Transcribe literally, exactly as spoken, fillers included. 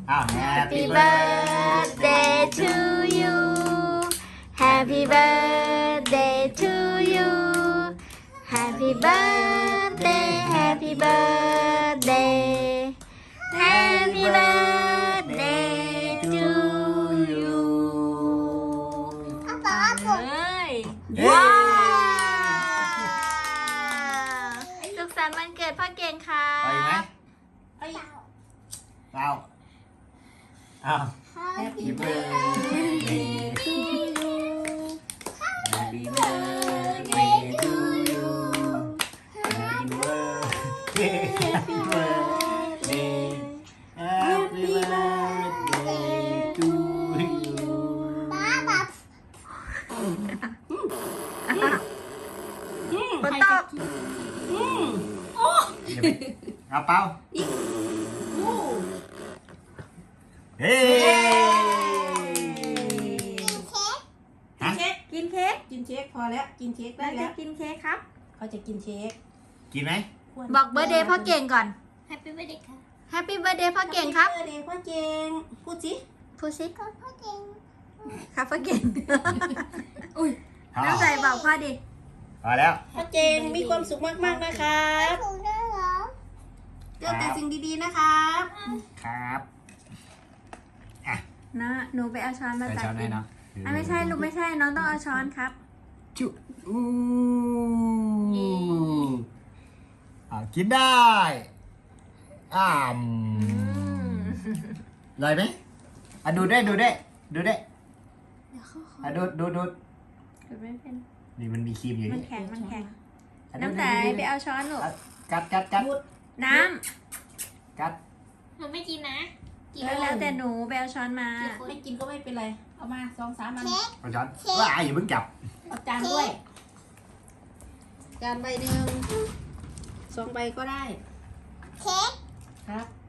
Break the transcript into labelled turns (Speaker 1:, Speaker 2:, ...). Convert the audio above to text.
Speaker 1: อ้าว
Speaker 2: Happy birthday to you Happy birthday to you Happy birthday Happy birthday Happy birthday to you
Speaker 3: ป๊าป๊า
Speaker 2: เฮ้ย
Speaker 1: เย้
Speaker 2: ว้าวสุขสันต์วันเกิดพ่อเก่งครั
Speaker 1: ไปไหม
Speaker 2: บ
Speaker 1: เปล่าอ้าว
Speaker 3: Happy
Speaker 1: Happy birthday to you Happy birthday to you Happy birthday Happy birthday Happy birthday to you
Speaker 3: ป๊าป๊า
Speaker 2: ฝนตก
Speaker 1: เอาเปล่าเฮ้
Speaker 3: เค้ก
Speaker 2: กินเค้ก
Speaker 4: กินเค้กพอแล้วกินเค้กได้
Speaker 2: เรา
Speaker 4: แล้
Speaker 2: จะ
Speaker 4: ว
Speaker 2: กินเค้กครับ
Speaker 4: เขาจะกินเค้ก
Speaker 1: กินไหม
Speaker 2: บอกเบอร์เดย์พ่อเก่งก่อน
Speaker 3: Happy birthday ค่ะ
Speaker 2: Happy birthday พ่อเก่งครับ
Speaker 4: เดย์พ่อเก่งพูดสิ
Speaker 2: พูดสิ
Speaker 3: ก็พ่อเก่ง
Speaker 2: ครับพ่อเก่ง
Speaker 4: อุ้ย
Speaker 1: พอ
Speaker 2: น้ำใจบอกพ่อดิ
Speaker 1: พอแล้ว
Speaker 4: พ่อเก่งมีความสุขมากๆนะครับ
Speaker 3: ถูกด้วยเหรอ
Speaker 4: เจอแต่สิ่งดีๆนะครับ
Speaker 1: ครับ
Speaker 2: นะหนูไปเอาช้อนมา
Speaker 1: ใส่
Speaker 2: ตัก
Speaker 1: ช้อน
Speaker 2: กิ
Speaker 1: ให้
Speaker 2: น
Speaker 1: เนาะ
Speaker 2: อ่ะไม่ใช่ลูกไม่ใช่น้องต้องเอาช้อนครับ
Speaker 1: จุอู้อ่ะกินได้อ่ามอร่อยไหมอ่ะดูได้ดูได้ดูได้อ่ะดูดูดู
Speaker 2: ดูไม่เป็น
Speaker 1: นี่มันมีครีมอยู่
Speaker 2: มัน
Speaker 1: นี่
Speaker 2: แข็งมันแข็ง
Speaker 1: อ่ะดู
Speaker 2: น้ำใจ
Speaker 1: ดูดู
Speaker 2: ไปเอาช้อนลูก
Speaker 1: อ่ะกัดกัดกัด
Speaker 2: น้
Speaker 1: กัด
Speaker 3: หนูไม่กินนะ
Speaker 2: ำแล้วแล้วแต่หนูไปเอาช้อนมา
Speaker 4: ไม่กินก็ไม่เป็นไรเอามาสองสามอัน
Speaker 3: เค้ก
Speaker 1: เอาช้อนว้ายอย่าเพิ่งจับ
Speaker 4: เอาจานด้วยจานใบหนึ่งสองใบก็ได้
Speaker 3: เค้ก
Speaker 4: ครับ